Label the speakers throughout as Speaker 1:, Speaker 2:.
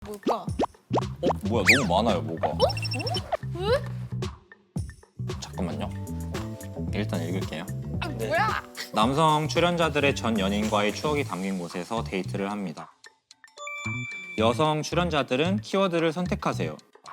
Speaker 1: 뭘까?
Speaker 2: 뭐야 너무 많아요 뭐가.
Speaker 1: 왜?
Speaker 2: 잠깐만요. 일단 읽을게요.
Speaker 1: 뭐야?
Speaker 2: 남성 출연자들의 전 연인과의 추억이 담긴 곳에서 데이트를 합니다. 여성 출연자들은 키워드를 선택하세요.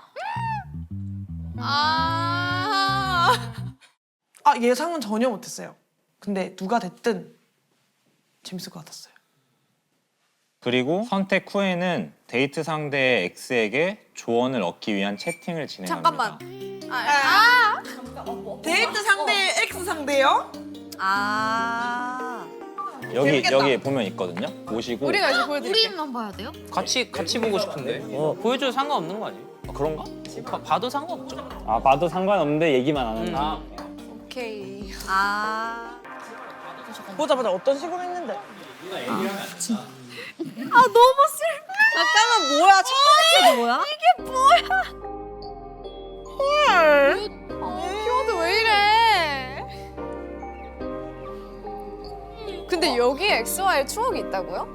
Speaker 1: 아
Speaker 3: 예상은 전혀 못했어요. 근데 누가 됐든 재밌을 것 같았어요.
Speaker 2: 그리고 선택 후에는 데이트 상대 X에게 조언을 얻기 위한 채팅을 진행합니다.
Speaker 1: 잠깐만.
Speaker 3: 데이트 상대 X 상대요?
Speaker 4: 아.
Speaker 2: 여기 보면 있거든요. 보시고
Speaker 1: 우리가 이제 보여드릴게.
Speaker 5: 우리만 봐야 돼요?
Speaker 6: 같이 보고 싶은데. 보여줘도 상관없는 거 아니에요?
Speaker 2: 그런가?
Speaker 6: 봐도 상관없죠.
Speaker 7: 아 봐도 상관없는데 얘기만 안 한다.
Speaker 1: 오케이.
Speaker 4: 아.
Speaker 3: 보자 어떤 식으로 했는데.
Speaker 4: 아 너무 슬퍼. 잠깐만 뭐야? 첫 번째 뭐야?
Speaker 1: 키워드 왜 이래? 근데 여기에 X와의 추억이 있다고요?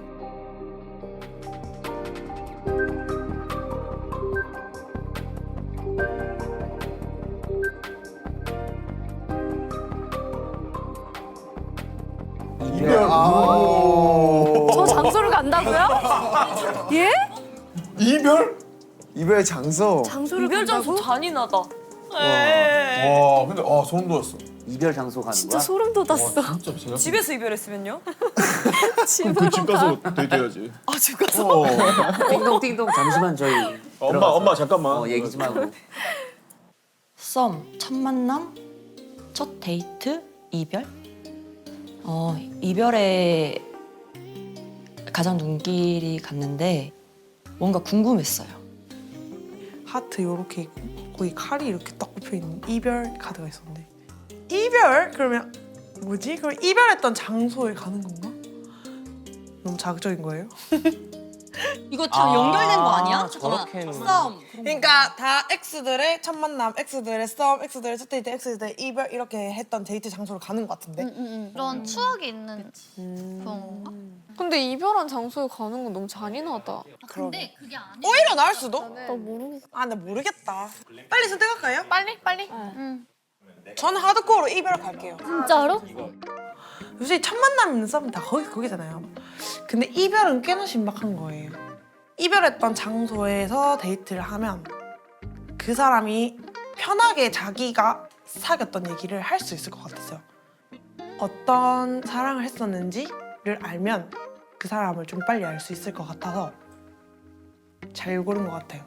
Speaker 4: 저 장소를 간다고요? 예?
Speaker 8: 이별? 이별의 장소.
Speaker 4: 장소를 이별 장소 잔인하다.
Speaker 8: 와, 근데 소름 돋았어.
Speaker 7: 이별 장소 가는
Speaker 4: 진짜
Speaker 7: 거야?
Speaker 4: 소름 돋았어.
Speaker 8: 진짜 제가
Speaker 4: 집에서 이별했으면요?
Speaker 8: 그집 가서 데이트해야지.
Speaker 4: 아 집 가서?
Speaker 7: 띵동띵동 잠시만 저희
Speaker 8: 엄마 잠깐만.
Speaker 7: 얘기 좀 하고.
Speaker 9: 썸, 첫 만남, 첫 데이트, 이별? 이별에 가장 눈길이 갔는데 뭔가 궁금했어요.
Speaker 3: 하트 이렇게 있고 거기 칼이 이렇게 딱 꼽혀 있는 이별 카드가 있었는데 이별? 그러면 뭐지? 그럼 이별했던 장소에 가는 건가? 너무 자극적인 거예요?
Speaker 9: 이거 다 연결된 거 아니야?
Speaker 7: 저렇게는
Speaker 9: 썸.
Speaker 3: 그러니까 다 X들의 첫 만남, X들의 썸, X들의 첫 데이트, X들의 이별 이렇게 했던 데이트 장소로 가는 것 같은데
Speaker 5: 그런 추억이 있는 그런 건가?
Speaker 1: 근데 이별한 장소에 가는 건 너무 잔인하다.
Speaker 5: 근데 그게 아니야.
Speaker 3: 오히려 나을 수도?
Speaker 1: 나 모르겠어.
Speaker 3: 나 모르겠다. 빨리 선택할까요?
Speaker 1: 빨리.
Speaker 3: 저는 하드코어로 이별 갈게요.
Speaker 4: 진짜로?
Speaker 3: 요새 첫 만남 있는 썸은 다 거기잖아요. 근데 이별은 꽤나 신박한 거예요. 이별했던 장소에서 데이트를 하면 그 사람이 편하게 자기가 사귀었던 얘기를 할 수 있을 것 같았어요. 어떤 사랑을 했었는지를 알면 그 사람을 좀 빨리 알 수 있을 것 같아서 잘 고른 것 같아요.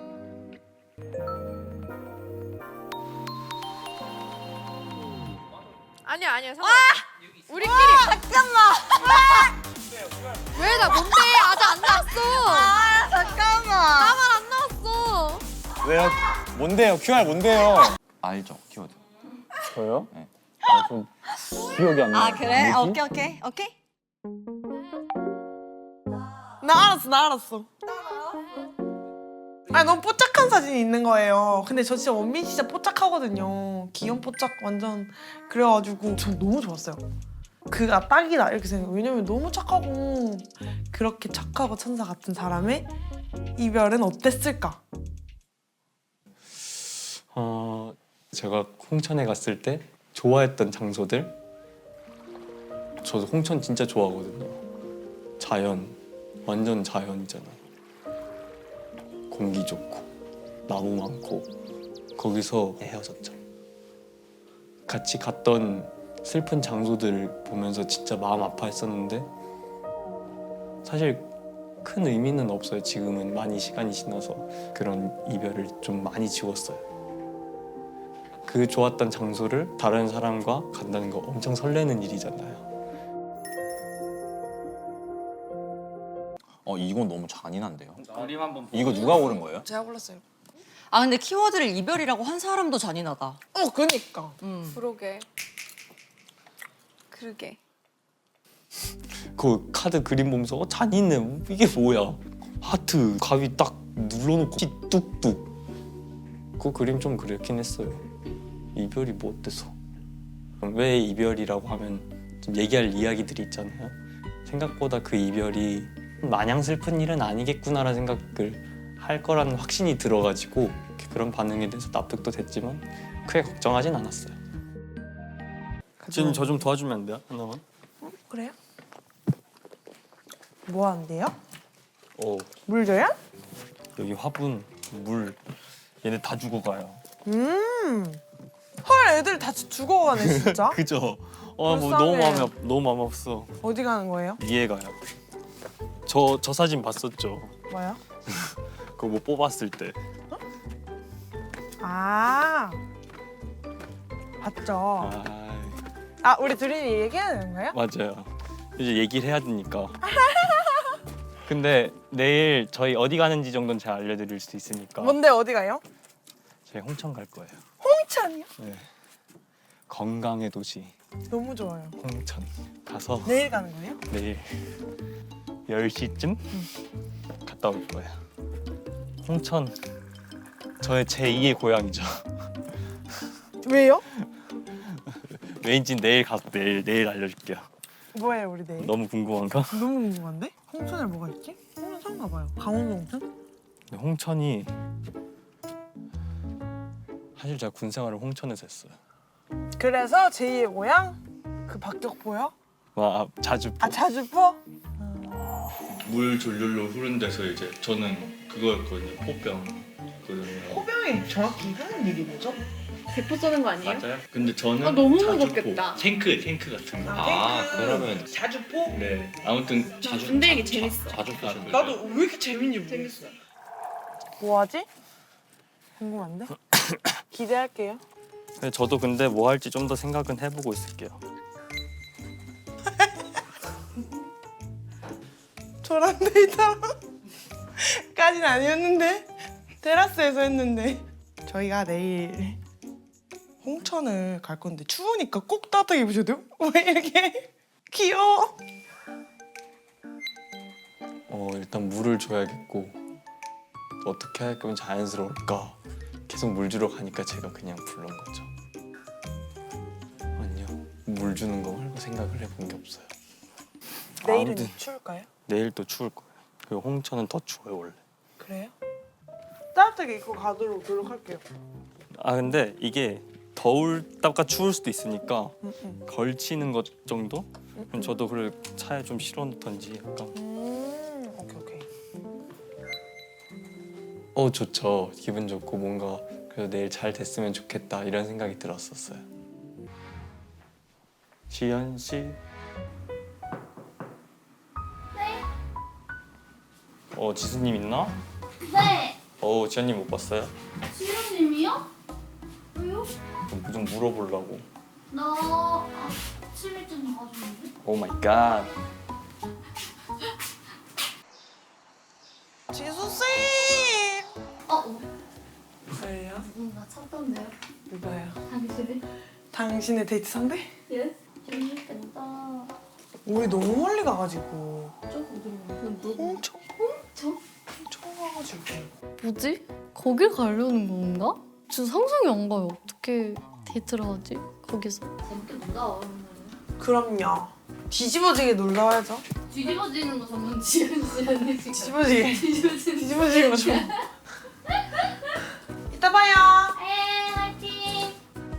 Speaker 1: 아니야. 우리끼리.
Speaker 4: 잠깐만.
Speaker 1: 왜 나 뭔데? 아직 안 나왔어.
Speaker 4: 잠깐만.
Speaker 1: 나만 안 나왔어.
Speaker 2: 왜요? 뭔데요? QR 뭔데요? 알죠 키워드.
Speaker 7: 저요?
Speaker 2: 네.
Speaker 7: 좀 기억이 안 나.
Speaker 4: 아 그래?
Speaker 7: 뭐지?
Speaker 4: 오케이.
Speaker 3: 나 알았어. 너무 뽀짝한 사진이 있는 거예요. 근데 저 진짜 원빈 진짜 뽀짝하거든요. 귀염 뽀짝 완전 그래가지고 전 너무 좋았어요. 그가 딱이다 이렇게 생각해요. 왜냐면 너무 착하고 그렇게 착하고 천사 같은 사람의 이별은 어땠을까?
Speaker 10: 제가 홍천에 갔을 때 좋아했던 장소들. 저도 홍천 진짜 좋아하거든요. 자연, 완전 자연이잖아. 공기 좋고 나무 많고 거기서 헤어졌죠. 같이 갔던 슬픈 장소들 보면서 진짜 마음 아파했었는데 사실 큰 의미는 없어요. 지금은 많이 시간이 지나서 그런 이별을 좀 많이 지웠어요. 그 좋았던 장소를 다른 사람과 간다는 거 엄청 설레는 일이잖아요.
Speaker 2: 이건 너무 잔인한데요.
Speaker 6: 그림 한번.
Speaker 2: 이거 누가 고른 거예요?
Speaker 3: 제가 골랐어요.
Speaker 9: 아 근데 키워드를 이별이라고 한 사람도 잔인하다.
Speaker 3: 그니까.
Speaker 1: 그러게.
Speaker 10: 그 카드 그림 보면서 잔인해. 이게 뭐야? 하트 가위 딱 눌러놓고 피 뚝뚝. 그 그림 좀 그렇긴 했어요. 이별이 뭐 어때서? 왜 이별이라고 하면 좀 얘기할 이야기들이 있잖아요. 생각보다 그 이별이 마냥 슬픈 일은 아니겠구나라는 생각을 할 거라는 확신이 들어가지고 그런 반응에 대해서 납득도 됐지만 크게 걱정하진 않았어요. 지금 저 좀 도와주면 안 돼요? 하나만?
Speaker 3: 그래요? 뭐 하는데요?
Speaker 10: 물
Speaker 3: 줘요?
Speaker 10: 여기 화분, 물 얘네 다 죽어가요.
Speaker 3: 헐, 애들 다 죽어가네 진짜.
Speaker 10: 그죠? 뭐
Speaker 3: 불쌍해.
Speaker 10: 너무 마음 없어.
Speaker 3: 어디 가는 거예요?
Speaker 10: 이해 가요. 저 사진 봤었죠?
Speaker 3: 뭐요?
Speaker 10: 그거 뭐 뽑았을 때.
Speaker 3: 아, 봤죠. 우리 둘이 얘기해야 되는 거예요?
Speaker 10: 맞아요. 이제 얘기를 해야 되니까. 근데 내일 저희 어디 가는지 정도는 제가 알려드릴 수 있으니까.
Speaker 3: 뭔데 어디 가요?
Speaker 10: 저희 홍천 갈 거예요.
Speaker 3: 홍천이요?
Speaker 10: 네. 건강의 도시
Speaker 3: 너무 좋아요.
Speaker 10: 홍천 가서
Speaker 3: 내일 가는 거예요?
Speaker 10: 내일 10시쯤 갔다 올 거예요. 홍천 저의 제2의 고향이죠.
Speaker 3: 왜요?
Speaker 10: 왜인지 내일 가서 내일 알려줄게요.
Speaker 3: 뭐예요 우리 내일?
Speaker 10: 너무 궁금한가?
Speaker 3: 너무 궁금한데? 홍천에 뭐가 있지? 홍천 가봐요. 강원도 홍천?
Speaker 10: 근데 홍천이 사실 제가 군 생활을 홍천에서 했어요.
Speaker 3: 그래서 제2의 고향? 그 박격포요?
Speaker 10: 자주
Speaker 3: 자주포?
Speaker 10: 물 졸렬로 흐른 데서 이제 저는 그거였거든요. 포병거든요.
Speaker 3: 포병이 정확히 하는 일이 뭐죠?
Speaker 5: 대포 쏘는 거 아니에요?
Speaker 10: 맞아요? 근데 저는
Speaker 5: 너무
Speaker 10: 자주포,
Speaker 5: 무겁겠다.
Speaker 10: 탱크 같은 거.
Speaker 2: 그러면
Speaker 3: 자주포?
Speaker 10: 네. 아무튼
Speaker 5: 근데 이게 재밌어.
Speaker 2: 자주 보시는
Speaker 3: 나도 왜 이렇게 재밌는지 모르겠어. 뭐하지? 궁금한데? 기대할게요.
Speaker 10: 저도 근데 뭐 할지 좀 더 생각은 해보고 있을게요.
Speaker 3: 저랑 데이트까지는 아니었는데 테라스에서 했는데 저희가 내일 홍천을 갈 건데 추우니까 꼭 따뜻하게 입으셔야 돼요. 왜 이렇게 귀여워?
Speaker 10: 일단 물을 줘야겠고 어떻게 할 거면 자연스러울까? 계속 물 주러 가니까 제가 그냥 부른 거죠. 아니요, 물 주는 거 말고 생각을 해본 게 없어요.
Speaker 3: 내일은
Speaker 10: 아무튼
Speaker 3: 추울까요?
Speaker 10: 내일 또 추울 거예요. 그리고 홍천은 더 추워요 원래.
Speaker 3: 그래요? 따뜻하게 입고 가도록 노력할게요.
Speaker 10: 근데 이게 더울다가 추울 수도 있으니까 걸치는 것 정도? 그럼 저도 그걸 차에 좀 실어놓던지 약간.
Speaker 3: 오케이.
Speaker 10: 좋죠. 기분 좋고 뭔가 그래도 내일 잘 됐으면 좋겠다 이런 생각이 들었었어요. 지연 씨.
Speaker 5: 네.
Speaker 10: 지수님 있나?
Speaker 5: 네.
Speaker 10: 지연님 못 봤어요?
Speaker 5: 지효님이요? 왜요?
Speaker 10: 좀 물어보려고.
Speaker 5: 나 아침일쯤 가주는데?
Speaker 10: 오 마이 갓.
Speaker 3: 지수씨! 왜요?
Speaker 5: 누군가 찾던데요?
Speaker 3: 누가요?
Speaker 5: 당신이?
Speaker 3: 당신의 데이트 상대?
Speaker 5: 예? 재밌겠다.
Speaker 3: 우리 너무 멀리 가가지고
Speaker 5: 조금 누구?
Speaker 3: 홍천?
Speaker 5: 저?
Speaker 3: 홍천 가가지고
Speaker 1: 뭐지? 거길 가려는 건가? 진짜 상상이 안 가요. 어떻게 데이트를 하지? 거기서.
Speaker 5: 재밌게 놀다 오면
Speaker 3: 그럼요. 뒤집어지게 놀다 와야죠.
Speaker 5: 뒤집어지는 거 전문 지효씨라는
Speaker 3: 뒤집어지게.
Speaker 5: 뒤집어지는
Speaker 3: 뒤집어지는 거 좀. 이따 봐요.
Speaker 5: 에 화이팅!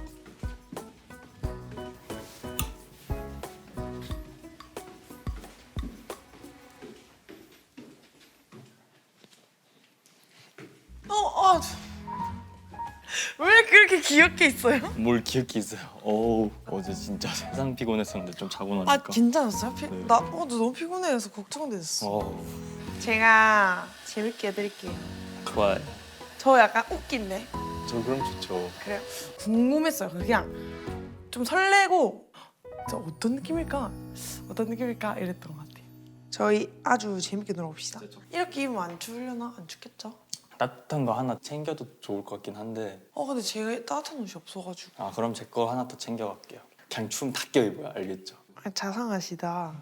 Speaker 3: 왜 그렇게 귀엽게 있어요?
Speaker 10: 뭘 기억이 있어요. 어제 진짜 세상 피곤했었는데 좀 자고 나니까.
Speaker 3: 괜찮았어요?
Speaker 10: 네.
Speaker 3: 나 어제 너무 피곤해서 걱정됐어. 제가 재밌게 해드릴게요.
Speaker 10: 좋아요.
Speaker 3: 저 약간 웃긴데.
Speaker 10: 저 그럼 좋죠.
Speaker 3: 그래요? 궁금했어요. 그냥 좀 설레고 저 어떤 느낌일까 이랬던 것 같아요. 저희 아주 재밌게 놀아봅시다. 이렇게 입으면 안 추우려나? 안 춥겠죠?
Speaker 10: 따뜻한 거 하나 챙겨도 좋을 것 같긴 한데.
Speaker 3: 근데 제가 따뜻한 옷이 없어가지고.
Speaker 10: 그럼 제 거 하나 더 챙겨갈게요. 그냥 추우면 다 껴입어요. 알겠죠?
Speaker 3: 자상하시다.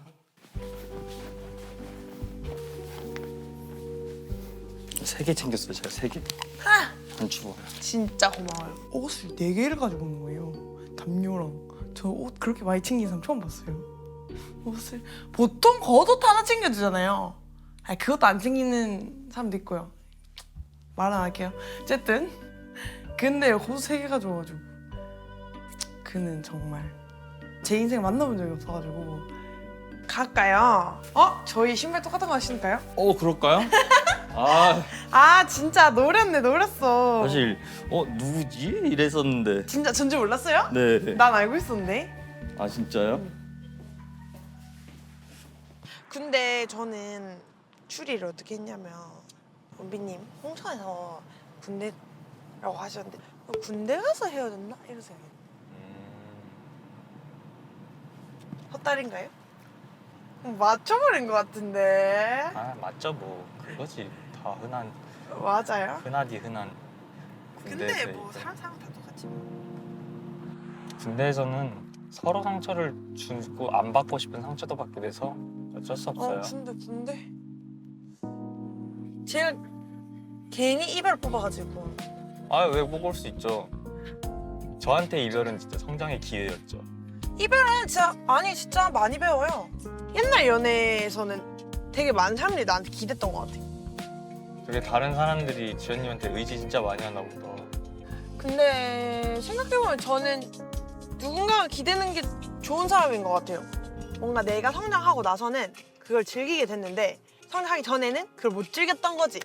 Speaker 10: 세 개 챙겼어요. 제가 3개. 안 추워요.
Speaker 3: 진짜 고마워요. 옷을 4개를 가지고 온 거예요. 담요랑. 저 옷 그렇게 많이 챙긴 사람 처음 봤어요. 옷을 보통 겉옷 하나 챙겨주잖아요. 그것도 안 챙기는 사람도 있고요. 말 안 할게요. 어쨌든 근데 호수 3개 가져와가지고 그는 정말 제 인생 만나본 적이 없어가지고 갈까요? 저희 신발 똑같은 거 하시니까요?
Speaker 10: 그럴까요? 아
Speaker 3: 아 진짜 노렸어.
Speaker 10: 사실 누구지? 이랬었는데.
Speaker 3: 진짜 전지 몰랐어요?
Speaker 10: 네.
Speaker 3: 난 알고 있었는데.
Speaker 10: 아 진짜요?
Speaker 3: 근데 저는 추리를 어떻게 했냐면 원빈님 홍천에서 군대라고 하셨는데 군대 가서 헤어졌나? 이런 생각이 헛다리인가요? 맞춰버린 것 같은데.
Speaker 6: 아 맞죠 뭐 그거지. 다 흔한
Speaker 3: 맞아요?
Speaker 6: 흔하디 흔한.
Speaker 3: 근데
Speaker 6: 군대에서
Speaker 3: 뭐
Speaker 6: 이제.
Speaker 3: 사람 다 똑같지 뭐.
Speaker 6: 군대에서는 서로 상처를 주고 안 받고 싶은 상처도 받게 돼서 어쩔 수 없어요.
Speaker 3: 군대 제가 괜히 이별 뽑아가지고
Speaker 6: 아 왜 먹을 수 있죠. 저한테 이별은 진짜 성장의 기회였죠.
Speaker 3: 이별은 진짜 많이 배워요. 옛날 연애에서는 되게 많은 사람들이 나한테 기댔던 것 같아.
Speaker 6: 되게 다른 사람들이 지연님한테 의지 진짜 많이 하나 보다.
Speaker 3: 근데 생각해보면 저는 누군가가 기대는 게 좋은 사람인 것 같아요. 뭔가 내가 성장하고 나서는 그걸 즐기게 됐는데 성장하기 전에는 그걸 못 즐겼던 거지.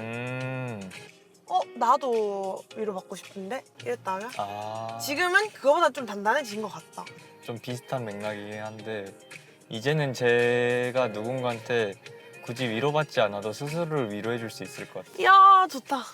Speaker 3: 나도 위로받고 싶은데? 이랬다면? 지금은 그거보다 좀 단단해진 것 같다.
Speaker 6: 좀 비슷한 맥락이긴 한데 이제는 제가 누군가한테 굳이 위로받지 않아도 스스로를 위로해줄 수 있을 것 같아요.
Speaker 3: 이야 좋다.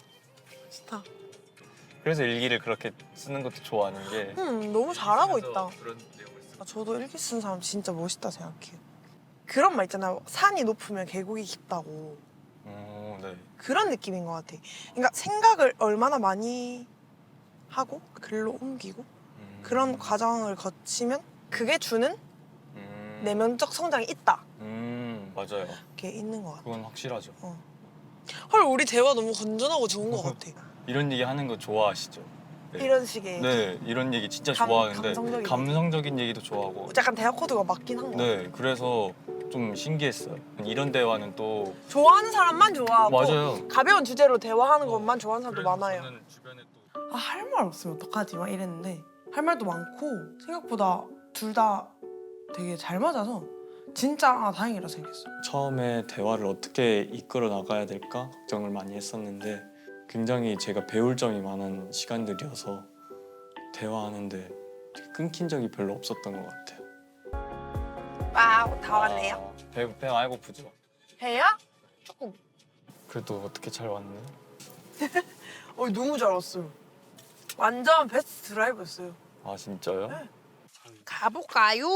Speaker 6: 그래서 일기를 그렇게 쓰는 것도 좋아하는 게
Speaker 3: 너무 잘하고 있다.
Speaker 6: 그런 내용을 쓰
Speaker 3: 저도 일기 쓰는 사람 진짜 멋있다 생각해요. 그런 말 있잖아요. 산이 높으면 계곡이 깊다고.
Speaker 6: 네.
Speaker 3: 그런 느낌인 것 같아. 그러니까 생각을 얼마나 많이 하고 글로 옮기고 그런 과정을 거치면 그게 주는 내면적 성장이 있다.
Speaker 6: 맞아요.
Speaker 3: 그게 있는 것 같아.
Speaker 6: 그건 확실하죠.
Speaker 3: 헐 우리 대화 너무 건전하고 좋은 것 같아.
Speaker 6: 이런 얘기 하는 거 좋아하시죠? 네.
Speaker 3: 이런 식의
Speaker 6: 네, 이런 얘기 진짜
Speaker 3: 감-
Speaker 6: 좋아하는데
Speaker 3: 감성적인
Speaker 6: 감성적인 얘기도 좋아하고.
Speaker 3: 약간 대화 코드가 맞긴 한 것 같아.
Speaker 6: 네, 그래서 좀 신기했어요. 이런 대화는 또
Speaker 3: 좋아하는 사람만 좋아하고
Speaker 6: 맞아요.
Speaker 3: 가벼운 주제로 대화하는 것만 좋아하는 사람도 많아요.
Speaker 6: 저는 주변에 또
Speaker 3: 할 말 없으면 어떡하지? 막 이랬는데 할 말도 많고 생각보다 둘 다 되게 잘 맞아서 진짜 다행이라 생각했어요.
Speaker 10: 처음에 대화를 어떻게 이끌어 나가야 될까 걱정을 많이 했었는데 굉장히 제가 배울 점이 많은 시간들이어서 대화하는데 끊긴 적이 별로 없었던 것 같아요.
Speaker 3: 와우 다 왔네요.
Speaker 6: 배 많이 고프죠?
Speaker 3: 배요? 조금.
Speaker 6: 그래도 어떻게 잘 왔네.
Speaker 3: 너무 잘 왔어요. 완전 베스트 드라이브였어요.
Speaker 6: 아 진짜요?
Speaker 3: 가볼까요?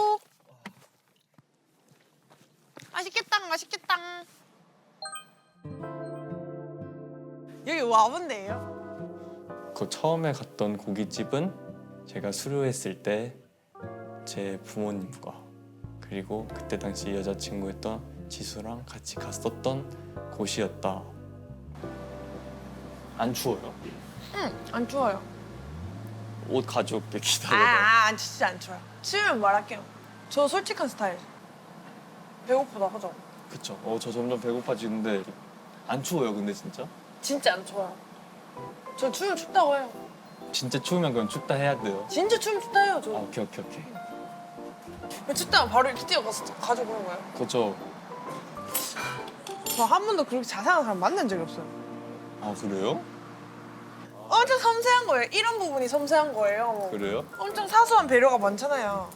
Speaker 3: 맛있겠다. 여기 와본데요?
Speaker 10: 그 처음에 갔던 고깃집은 제가 수료했을 때 제 부모님과 그리고 그때 당시 여자친구였던 지수랑 같이 갔었던 곳이었다. 안 추워요?
Speaker 3: 안 추워요.
Speaker 10: 옷 가져올게 기다려봐.
Speaker 3: 진짜 안 추워요. 추우면 말할게요. 저 솔직한 스타일. 배고프다 하죠?
Speaker 10: 그쵸. 저 점점 배고파지는데 안 추워요 근데 진짜?
Speaker 3: 진짜 안 추워요. 저 추우면 춥다고 해요.
Speaker 10: 진짜 추우면 그럼 춥다 해야 돼요.
Speaker 3: 진짜 추우면 춥다 해요, 저.
Speaker 10: 오케이.
Speaker 3: 춥다면 바로 이렇게 뛰어가서 가져오는 거예요.
Speaker 10: 그쵸.
Speaker 3: 저 한 번도 그렇게 자세한 사람 만난 적이 없어요.
Speaker 10: 아 그래요?
Speaker 3: 엄청 섬세한 거예요. 이런 부분이 섬세한 거예요.
Speaker 10: 그래요?
Speaker 3: 엄청 사소한 배려가 많잖아요.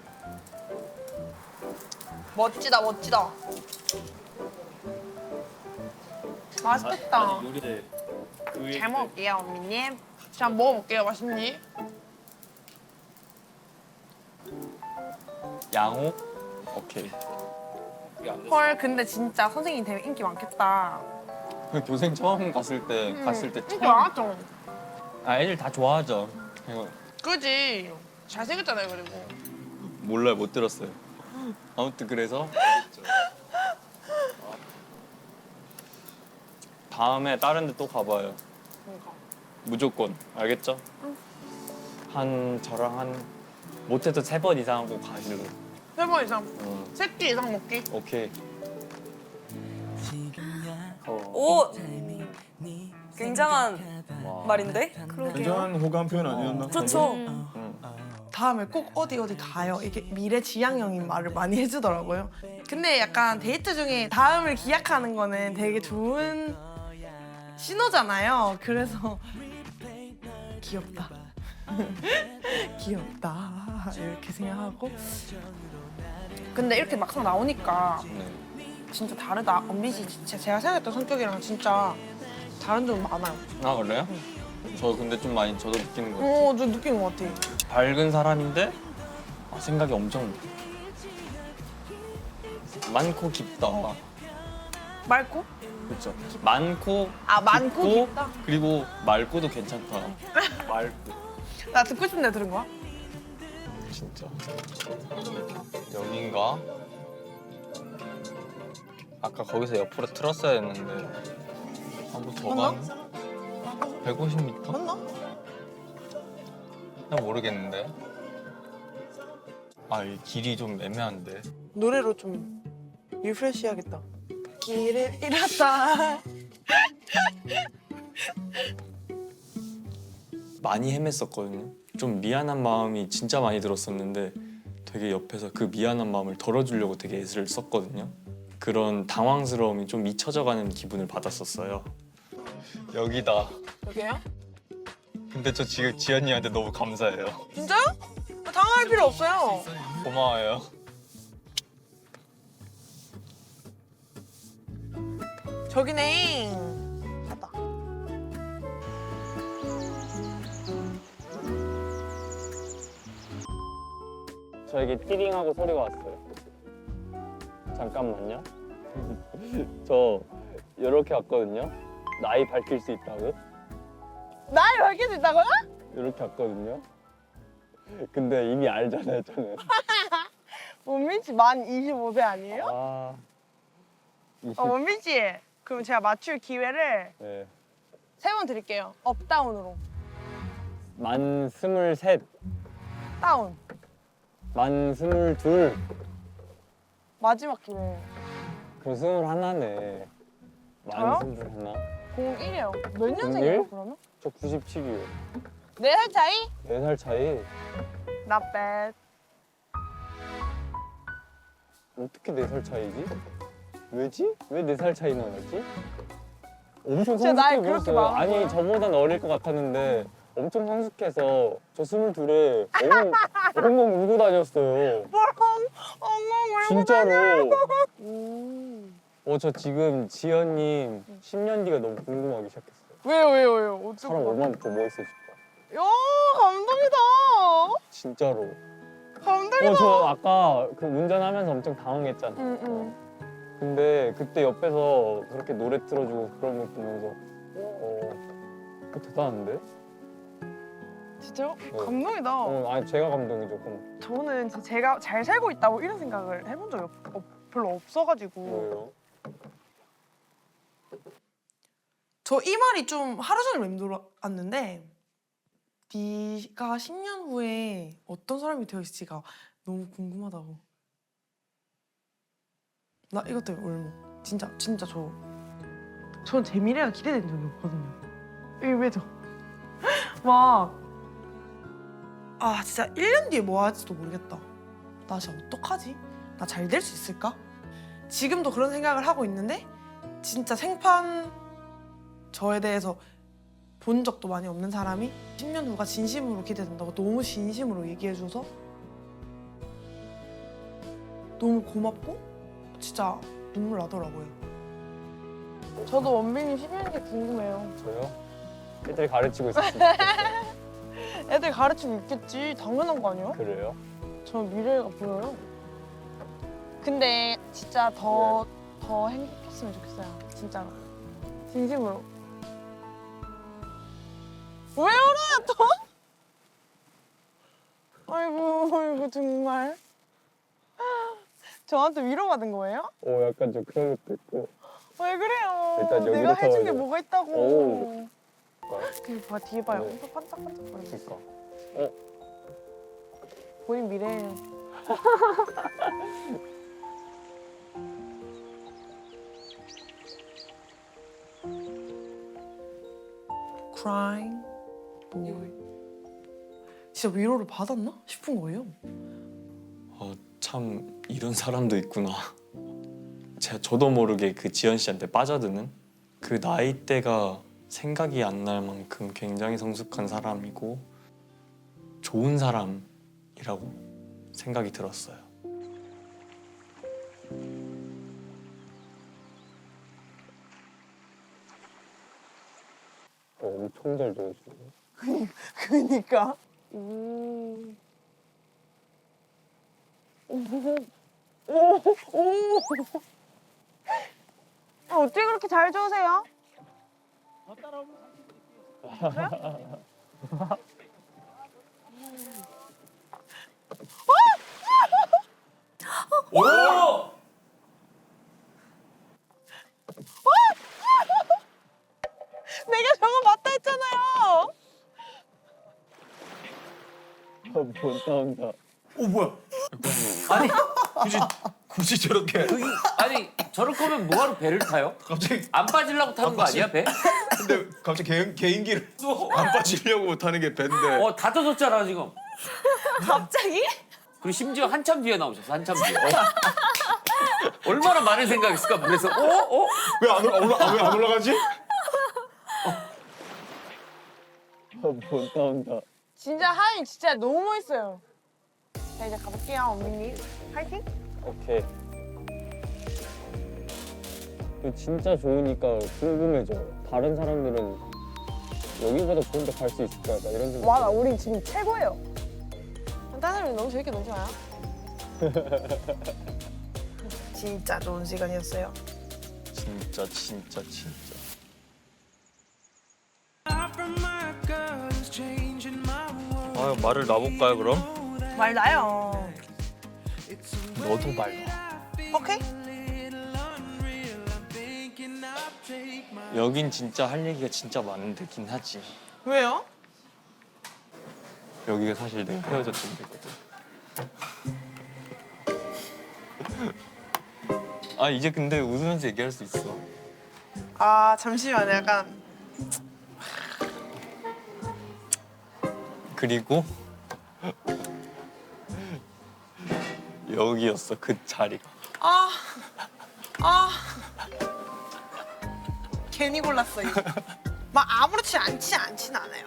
Speaker 3: 멋지다. 맛있겠다.
Speaker 10: 요리를
Speaker 3: 잘 먹을게요, 언니님. 자, 먹어볼게요. 맛있니?
Speaker 10: 양호? 오케이.
Speaker 3: 헐, 근데 진짜 선생님 되면 인기 많겠다.
Speaker 10: 교생 처음 갔을 때
Speaker 3: 인기 많았죠?
Speaker 10: 애들 다 좋아하죠. 이거
Speaker 3: 그지? 잘생겼잖아요, 그리고.
Speaker 10: 몰라요, 못 들었어요. 아무튼 그래서 다음에 다른 데 또 가봐요.
Speaker 3: 그러니까.
Speaker 10: 무조건. 알겠죠? 저랑 한 못해도 3번 이상 하고 가실래요?
Speaker 3: 3번 이상. 3끼 이상 먹기.
Speaker 10: 오케이.
Speaker 9: 오
Speaker 4: 굉장한 말인데?
Speaker 8: 굉장한 호감 표현 아니었나?
Speaker 4: 그렇죠.
Speaker 3: 다음에 꼭 어디 가요. 이게 미래지향형인 말을 많이 해주더라고요. 근데 약간 데이트 중에 다음을 기약하는 거는 되게 좋은 신호잖아요. 그래서 귀엽다. 귀엽다. 이렇게 생각하고. 근데 이렇게 막상 나오니까 진짜 다르다. 언비 씨 진짜 제가 생각했던 성격이랑 진짜 다른 점이 많아요.
Speaker 10: 아 그래요? 저 근데 좀 많이 저도 느끼는 것 같아요.
Speaker 3: 저 느끼는 것 같아.
Speaker 10: 밝은 사람인데 생각이 엄청 많고 깊다.
Speaker 3: 맑고?
Speaker 10: 그렇죠. 많고
Speaker 3: 많고
Speaker 10: 깊고,
Speaker 3: 깊다?
Speaker 10: 그리고 맑고도 괜찮다. 맑고
Speaker 3: 나 듣고 싶은데 들은 거야?
Speaker 10: 진짜 여긴가? 아까 거기서 옆으로 틀었어야 했는데 한 번 더
Speaker 3: 맞나?
Speaker 10: 가는? 150m?
Speaker 3: 맞나?
Speaker 10: 난 모르겠는데. 이 길이 좀 애매한데.
Speaker 3: 노래로 좀 리프레시 해야겠다. 길을 잃었다.
Speaker 10: 많이 헤맸었거든요. 좀 미안한 마음이 진짜 많이 들었었는데 되게 옆에서 그 미안한 마음을 덜어주려고 되게 애를 썼거든요. 그런 당황스러움이 좀 잊혀져가는 기분을 받았었어요. 여기다.
Speaker 3: 여기요?
Speaker 10: 근데 저 지금 지연이한테 너무 감사해요.
Speaker 3: 진짜요? 당황할 필요 없어요.
Speaker 10: 고마워요.
Speaker 3: 저기네. 갔다.
Speaker 10: 저에게 띠링하고 소리가 왔어요. 잠깐만요. 저 이렇게 왔거든요. 나이 밝힐 수 있다고.
Speaker 3: 나를 밝힐 수 있다고요?
Speaker 10: 이렇게 왔거든요. 근데 이미 알잖아요, 저는.
Speaker 3: 원민 씨 만 25세 아니에요?
Speaker 10: 아, 20.
Speaker 3: 원민 씨, 그럼 제가 맞출 기회를
Speaker 10: 네.
Speaker 3: 3번 드릴게요. 업다운으로.
Speaker 10: 만 23,
Speaker 3: 다운.
Speaker 10: 만 22,
Speaker 3: 마지막 기회.
Speaker 10: 그럼 21네.
Speaker 3: 저요?
Speaker 10: 만 21.
Speaker 3: 01이에요. 몇 년생이에요,
Speaker 10: 01?
Speaker 3: 그러면?
Speaker 10: 저 97이에요.
Speaker 3: 4살 차이?
Speaker 10: 4살 차이.
Speaker 3: Not bad.
Speaker 10: 어떻게 4살 차이지? 왜지? 왜 4살 차이나 나지? 엄청
Speaker 3: 진짜 나이
Speaker 10: 성숙해
Speaker 3: 그렇게
Speaker 10: 보였어요.
Speaker 3: 많은
Speaker 10: 아니
Speaker 3: 거야?
Speaker 10: 저보단 어릴 것 같았는데 엄청 성숙해서 저 22에 엉엉 울고 다녔어요.
Speaker 3: 엉엉
Speaker 10: 진짜로.
Speaker 3: 음.
Speaker 10: 저 지금 지연님 10년 뒤가 너무 궁금하기 시작했어요.
Speaker 3: 왜요?
Speaker 10: 사람 얼마나 더 멋있어질까?
Speaker 3: 야, 감동이다.
Speaker 10: 진짜로.
Speaker 3: 감동이다.
Speaker 10: 저 아까 그 운전하면서 엄청 당황했잖아.
Speaker 3: 응.
Speaker 10: 근데 그때 옆에서 그렇게 노래 틀어주고 그런 거 보면서 대단한데?
Speaker 3: 진짜요?
Speaker 10: 네.
Speaker 3: 감동이다.
Speaker 10: 아니 제가 감동이죠. 그럼
Speaker 3: 저는 진짜 제가 잘 살고 있다고 이런 생각을 해본 적이 별로 없어가지고.
Speaker 10: 뭐예요?
Speaker 3: 저 이 말이 좀 하루 종일 맴돌았는데 네가 10년 후에 어떤 사람이 되어 있을지가 너무 궁금하다고. 나 이것 때문에 울먹. 진짜 전 제 미래가 기대된 적이 없거든요. 이게 왜죠? 막 진짜 1년 뒤에 뭐 할지도 모르겠다. 나 진짜 어떡하지? 나 잘 될 수 있을까? 지금도 그런 생각을 하고 있는데 진짜 생판 저에 대해서 본 적도 많이 없는 사람이 10년 후가 진심으로 기대된다고 너무 진심으로 얘기해줘서 너무 고맙고 진짜 눈물 나더라고요. 저도 원빈이 10년 뒤 궁금해요.
Speaker 10: 저요? 애들 가르치고 있었어요.
Speaker 3: 애들 가르치고 있겠지. 당연한 거 아니야?
Speaker 10: 그래요?
Speaker 3: 저는 미래가 보여요. 근데 진짜 더 행복했으면 좋겠어요. 진짜로. 진심으로. 왜 울어요 또? 아이고 정말. 저한테 위로받은 거예요?
Speaker 10: 약간 좀 그런 것도 있고.
Speaker 3: 왜 그래요?
Speaker 10: 일단 여기부터
Speaker 3: 내가 해준 게
Speaker 10: 해야
Speaker 3: 뭐가 있다고.
Speaker 10: 오.
Speaker 3: 그 봐, 뒤에 봐요.
Speaker 10: 네.
Speaker 3: 엄청 반짝반짝거리고 있어.
Speaker 10: 그러니까.
Speaker 3: 본인 미래예요. crying. 뭐 진짜 위로를 받았나 싶은 거예요.
Speaker 10: 참 이런 사람도 있구나. 저도 모르게 그 지연 씨한테 빠져드는 그 나이대가 생각이 안 날 만큼 굉장히 성숙한 사람이고 좋은 사람이라고 생각이 들었어요. 엄청 잘 들어주네.
Speaker 3: 그니까.
Speaker 4: 어떻게 그렇게 잘 좋으세요?
Speaker 7: 오!
Speaker 3: 내가 저거 맞다 했잖아요.
Speaker 10: 못 나온다.
Speaker 8: 오 뭐야?
Speaker 7: 아니
Speaker 8: 굳이 저렇게
Speaker 7: 아니 저럴 거면 뭐하러 배를 타요?
Speaker 8: 갑자기
Speaker 7: 안 빠지려고 타는 거 아니야 배?
Speaker 8: 근데 갑자기 개인기를 안 빠지려고 타는 게 밴데.
Speaker 7: 다 터졌잖아 지금.
Speaker 4: 갑자기?
Speaker 7: 그리고 심지어 한참 뒤에 나오셨어 한참 뒤에. 얼마나 많은 생각했을까 물에서.
Speaker 8: 왜 안 올라가지?
Speaker 10: 못 나온다.
Speaker 4: 진짜 하이 진짜 너무 멋있어요. 자 이제 가볼게요 언니님. 파이팅!
Speaker 10: 오케이. 진짜 좋으니까 궁금해져. 다른 사람들은 여기보다 좋은 데 갈 수 있을까? 나 이런 생각.
Speaker 4: 맞아 우리 지금 최고예요. 다른 사람이 너무 재밌게 놀잖아요.
Speaker 3: 진짜 좋은 시간이었어요.
Speaker 10: 진짜.
Speaker 2: 말을 놔볼까요 그럼?
Speaker 3: 말 나요.
Speaker 10: 너도 말 놔.
Speaker 3: 오케이?
Speaker 10: 여긴 진짜 할 얘기가 진짜 많은데긴 하지.
Speaker 3: 왜요?
Speaker 10: 여기가 사실 내가 헤어졌던 데거든. 이제 근데 웃으면서 얘기할 수 있어.
Speaker 3: 아 잠시만 약간
Speaker 10: 그리고 여기였어 그 자리가.
Speaker 3: 괜히 골랐어 이거. 막 아무렇지 않진 않아요.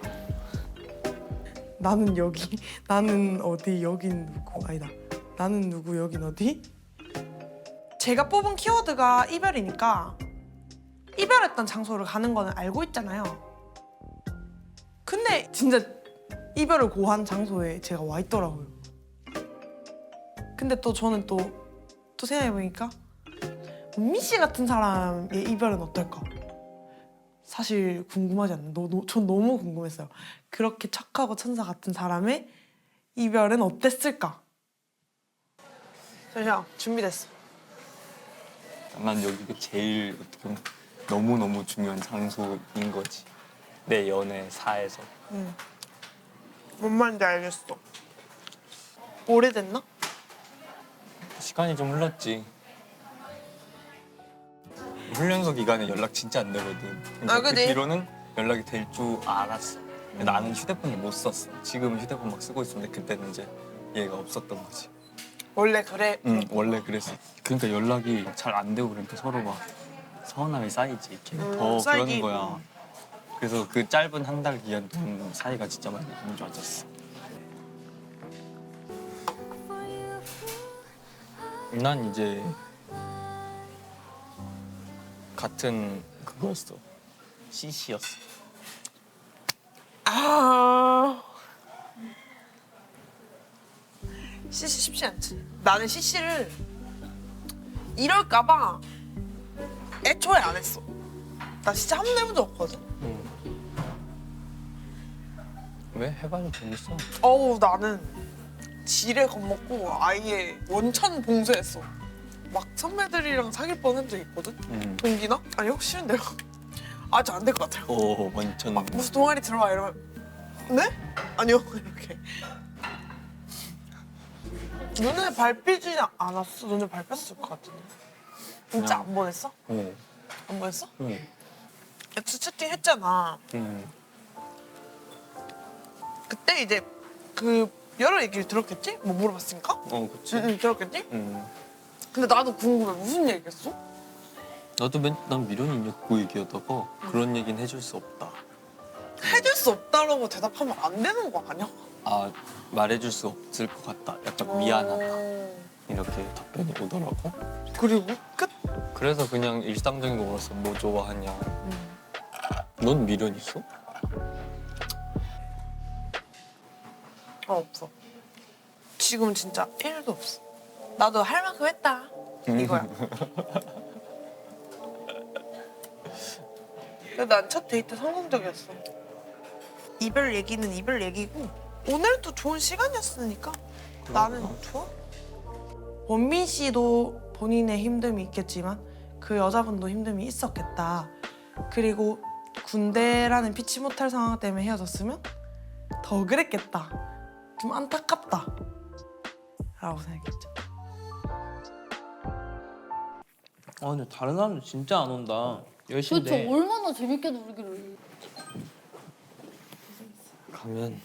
Speaker 3: 나는 여기, 나는 어디, 여긴 누구, 아니다. 나는 누구, 여긴 어디? 제가 뽑은 키워드가 이별이니까 이별했던 장소를 가는 거는 알고 있잖아요. 근데 진짜 이별을 고한 장소에 제가 와 있더라고요. 근데 또 저는 또 생각해보니까 은미 씨 같은 사람의 이별은 어떨까? 사실 궁금하지 않나? 전 너무 궁금했어요. 그렇게 착하고 천사 같은 사람의 이별은 어땠을까? 잠시만, 준비됐어.
Speaker 10: 난 여기가 제일 어떻게 보면 너무너무 중요한 장소인 거지. 내 연애사에서.
Speaker 3: 뭔 말인지 알겠어. 오래됐나?
Speaker 10: 시간이 좀 흘렀지. 훈련소 기간에 연락 진짜 안 되거든. 그러니까 그
Speaker 3: 그래?
Speaker 10: 뒤로는 연락이 될 줄 알았어. 근데 나는 휴대폰을 못 썼어. 지금은 휴대폰 막 쓰고 있었는데 그때는 이제 얘가 없었던 거지.
Speaker 3: 원래 그래.
Speaker 10: 원래 그랬어. 그러니까 연락이 잘 안 되고 그러니까 서로 막 서운함이 쌓이지. 이렇게 더
Speaker 3: 쌓이기.
Speaker 10: 그러는 거야. 그래서 그 짧은 한 달 기간 동안 사이가 진짜 많이 안 좋아졌어. 난 이제 같은 그거였어. CC였어.
Speaker 3: CC 쉽지 않지. 나는 CC를 이럴까봐 애초에 안 했어. 나 진짜 한 번도 해본 적 없거든.
Speaker 10: 왜? 해봐도 재밌어.
Speaker 3: 나는 지레 겁먹고 아예 원천 봉쇄했어. 막 선배들이랑 사귈 뻔한 적 있거든. 동기나? 아니요, 싫은데요. 아직 안 될 것 같아요.
Speaker 10: 오, 완전.
Speaker 3: 막 무슨 동아리 들어와 이러면 네? 아니요 이렇게. 눈에 밟히지 않았어? 눈에 밟혔을 것 같은데. 진짜 안 보냈어?
Speaker 10: 어.
Speaker 3: 안 보냈어?
Speaker 10: 응.
Speaker 3: 엑스 채팅 했잖아. 그때 이제 그 여러 얘기를 들었겠지? 뭐 물어봤으니까?
Speaker 6: 그치.
Speaker 3: 응, 들었겠지? 근데 나도 궁금해. 무슨 얘기했어?
Speaker 6: 나도 난 미련이 있냐고 얘기하다가 그런 얘기는 해줄 수 없다.
Speaker 3: 해줄 수 없다라고 대답하면 안 되는 거 아니야?
Speaker 6: 아 말해줄 수 없을 것 같다. 약간 미안하다. 이렇게 답변이 오더라고.
Speaker 3: 그리고 끝?
Speaker 6: 그래서 그냥 일상적인 거 물었어. 뭐 좋아하냐. 넌 미련 있어?
Speaker 3: 없어. 지금은 진짜 1도 없어. 나도 할 만큼 했다. 이거야. 근데 난 첫 데이트 성공적이었어. 이별 얘기는 이별 얘기고 오늘도 좋은 시간이었으니까 나는 좋아. 원민 씨도 본인의 힘듦이 있겠지만 그 여자분도 힘듦이 있었겠다. 그리고 군대라는 피치 못할 상황 때문에 헤어졌으면 더 그랬겠다. 좀 안타깝다. 라고 생각했죠.
Speaker 11: 근데 다른 사람들 진짜 안 온다.
Speaker 1: 도대체
Speaker 11: 10시인데.
Speaker 1: 얼마나 재밌게 놀기를.
Speaker 6: 가면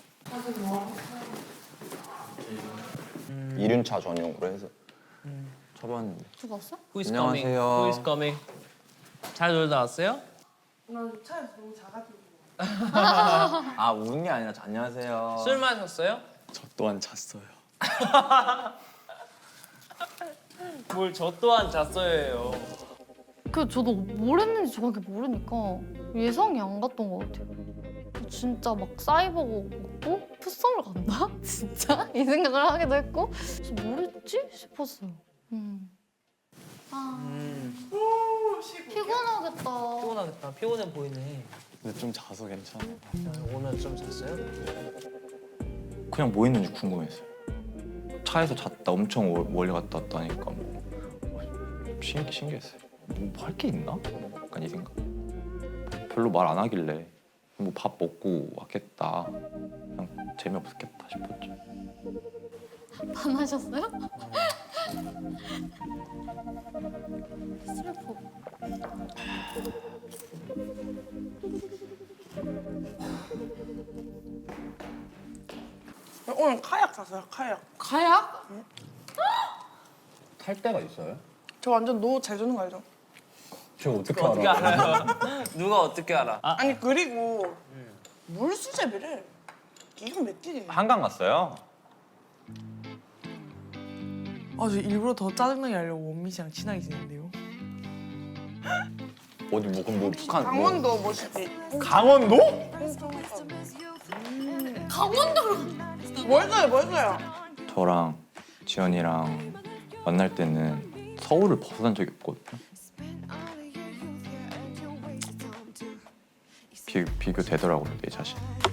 Speaker 2: 1륜차 전용으로 해서 쳐봤는데.
Speaker 1: 죽었어?
Speaker 11: Who is
Speaker 2: 안녕하세요.
Speaker 11: coming? Who is coming? 잘 놀다 왔어요?
Speaker 3: 나 차에서 너무 작아지고.
Speaker 2: 아 우는 게 아니라 안녕하세요.
Speaker 11: 술 마셨어요?
Speaker 10: 저 또한 잤어요.
Speaker 11: 뭘 저 또한 잤어요예요.
Speaker 1: 그 저도 뭘 했는지 정확히 모르니까 예상이 안 갔던 것 같아요. 진짜 막 사이버고 먹고 풋썸을 간다? 진짜? 이 생각을 하기도 했고 그래서 뭘 했지? 싶었어요. 아 피곤하겠다.
Speaker 11: 피곤하겠다. 피곤해 보이네.
Speaker 10: 근데 좀 자서 괜찮아.
Speaker 11: 오늘 좀 잤어요?
Speaker 2: 그냥 뭐 했는지 궁금했어요. 차에서 잤다 엄청 멀리 갔다 왔다니까 뭐 신기했어요. 뭐 할 게 있나? 약간 이 생각. 별로 말 안 하길래 뭐 밥 먹고 왔겠다. 그냥 재미없겠다 싶었죠.
Speaker 1: 반하셨어요? 슬퍼.
Speaker 3: 오늘 카약 샀어요. 카약.
Speaker 1: 가야?
Speaker 2: 탈 때가 있어요?
Speaker 3: 저 완전 노 잘 주는 거 알죠?
Speaker 2: 저 어떻게
Speaker 11: 어떻게 알아요? 누가 어떻게 알아?
Speaker 3: 아니 그리고 물 수제비를 기가 막히게.
Speaker 2: 한강 갔어요?
Speaker 3: 저 일부러 더 짜증나게 하려고 원민 씨랑 친하게 지낸대요.
Speaker 2: 어디 뭐 그럼 뭐 북한 뭐
Speaker 3: 강원도 멋있지.
Speaker 2: 강원도?
Speaker 1: 강원도로.
Speaker 3: 멋있어요.
Speaker 2: 저랑 지연이랑 만날 때는 서울을 벗어난 적이 없거든요. 비교되더라고요 내 자신.